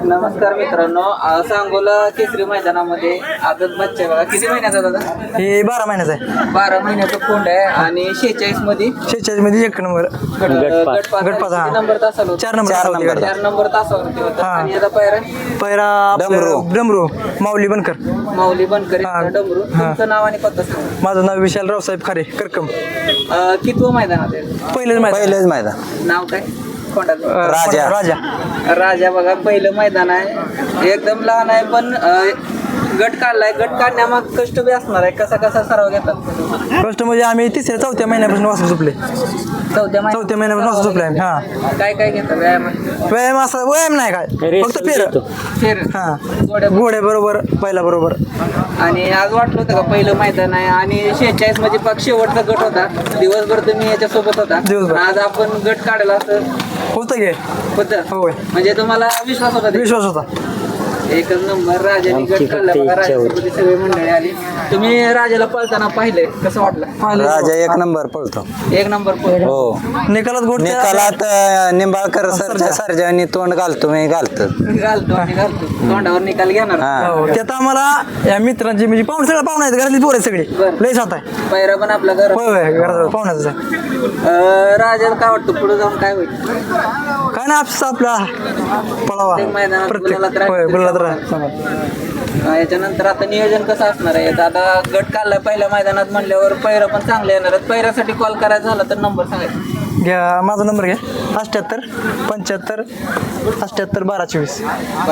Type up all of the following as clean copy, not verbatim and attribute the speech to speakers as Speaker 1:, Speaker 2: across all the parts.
Speaker 1: नमस्कार मित्रांनो, सांगोला केसरी मैदानामध्ये आदत बच्चा बघा किती महिन्याचा दादा?
Speaker 2: हे 12 महिन्याचा आहे.
Speaker 1: 12 महिन्याचा कोंड आहे आणि 46 मध्ये
Speaker 2: 46 मध्ये 1 नंबर गटपास, हा.
Speaker 1: किती नंबर तासाला होता?
Speaker 2: 4 नंबर
Speaker 1: 4 नंबर तासावरती होता.
Speaker 2: हा.
Speaker 1: आणि याचा पायरा
Speaker 2: पहिला डमरू माऊली बनकर.
Speaker 1: माऊली बनकर
Speaker 2: हा.
Speaker 1: डमरू. तुमचं नाव आणि पत्ता सांगा.
Speaker 2: माझं नाव विशाल रावसाहेब खारे करकम.
Speaker 1: कितवं मैदानात आहे?
Speaker 2: पहिलेच
Speaker 3: मैदान
Speaker 1: नाव काय? कोंडाचं
Speaker 2: राजा
Speaker 1: राजा बघा, पहिलं मैदान आहे. एकदम लहान आहे पण गट काढलाय. गट काढण्यामाग कष्ट बी असणार आहे. कसा कसा सराव घेतात?
Speaker 2: फर्स्ट म्हणजे आम्ही 3-4 महिन्यापासून वासरू झोपले.
Speaker 1: चौथ्या
Speaker 2: महिन्यापासून वासरू झोपले आम्ही. हा,
Speaker 1: काय काय घेतात व्यायाम?
Speaker 2: व्यायाम असा व्यायाम नाही काय, फक्त
Speaker 1: फेर
Speaker 2: हा
Speaker 1: गोड्या
Speaker 2: घोडे बरोबर पहिला बरोबर.
Speaker 1: आणि आज वाटलं होतं का पहिलं मैदान आहे आणि 46 म्हणजे पक्ष शेवटचा गट होता. दिवसभर तुम्ही याच्यासोबत होता.
Speaker 2: दिवसभर.
Speaker 1: आज आपण गट काढला असं
Speaker 2: होतं घे
Speaker 1: होतं.
Speaker 2: होय,
Speaker 1: म्हणजे तुम्हाला विश्वास होता?
Speaker 2: विश्वास होता.
Speaker 1: एकच नंबर. राजाने गट काढला बघा. राजासोबत सगळी मंडळी आली. तुम्ही राजाला पळताना पाहिलंय, कसं वाटलं?
Speaker 3: राजा 1 नंबर पळतो.
Speaker 1: 1 नंबर पळ.
Speaker 3: हो,
Speaker 2: निकालात गोड
Speaker 3: निकालात निंबाळकर सर्जानी तोंड घालतो मी घालतो.
Speaker 1: घालतो आणि घालतो. तोंडावर निकाल घेणार.
Speaker 3: हा.
Speaker 2: त्यात आम्हाला या मित्रांची म्हणजे सगळं पाहुणे आहेत, घरातली पोरं आहेत सगळी.
Speaker 1: बरं.
Speaker 2: लय साथ आहे.
Speaker 1: पैरा पण आपल्या घर.
Speaker 2: होय होय, घरात पाहुण्याच आहे.
Speaker 1: राजाला काय वाटतं पुढे जाऊन काय होईल?
Speaker 2: काय ना आपला पळावा
Speaker 1: प्रत्येक मैदानात
Speaker 2: प्रत्येक
Speaker 1: गुलालात राहा.
Speaker 2: होय गुलालात राहा.
Speaker 1: याच्यानंतर आता नियोजन कसं असणार आहे? आता गट काढलाय पहिल्या मैदानात म्हणल्यावर पैरा पण चांगले येणार आहेत. पैऱ्यासाठी कॉल करायचा झाला तर नंबर सांगायचा.
Speaker 2: घ्या माझा नंबर घ्या 78 75 78 12 24.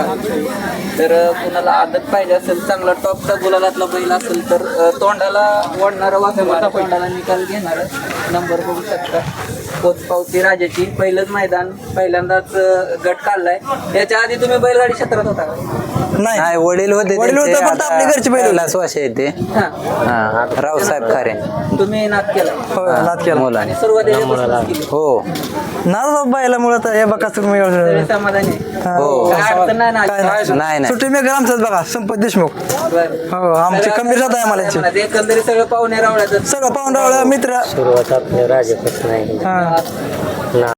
Speaker 1: तर कुणाला आदत पाहिजे असेल, चांगला टॉपचा गुलालातला बैल असेल तर तोंडाला ओढणारा वाघमारा तोंडाला निकाल घेणार नंबर बघू शकता. पोचपावती राजाची पहिलंच मैदान, पहिल्यांदाच गट काढलाय. याच्या आधी तुम्ही बैलगाडी क्षेत्रात होता का?
Speaker 3: नाही, वडील होते
Speaker 2: वडील होते, फक्त आपले घरचे बैल होते.
Speaker 3: श्वास येते.
Speaker 1: हा.
Speaker 3: हा, रावसाहेब खारे.
Speaker 1: तुम्ही नाद केला
Speaker 2: होय, नाद केला.
Speaker 3: मुलाने.
Speaker 1: आणि सुरुवातीला केली.
Speaker 3: हो
Speaker 2: नाद बायला मुळात हे बघा तुम्ही
Speaker 1: तरी समाधानी आहे.
Speaker 3: हो.
Speaker 1: काय अडचण नाही ना?
Speaker 3: नाही नाही
Speaker 2: सुट्टी मेकर आमचाच बघा संपत देशमुख.
Speaker 1: बरं.
Speaker 2: हो, आमची खंबीर जात आहे मला याची.
Speaker 1: एकंदरीत सगळं पाहुणे रावळ्याचं.
Speaker 2: सगळं पाहुणरावळा मित्र.
Speaker 3: सुरुवात आपल्या राजापासून आहे.
Speaker 2: हा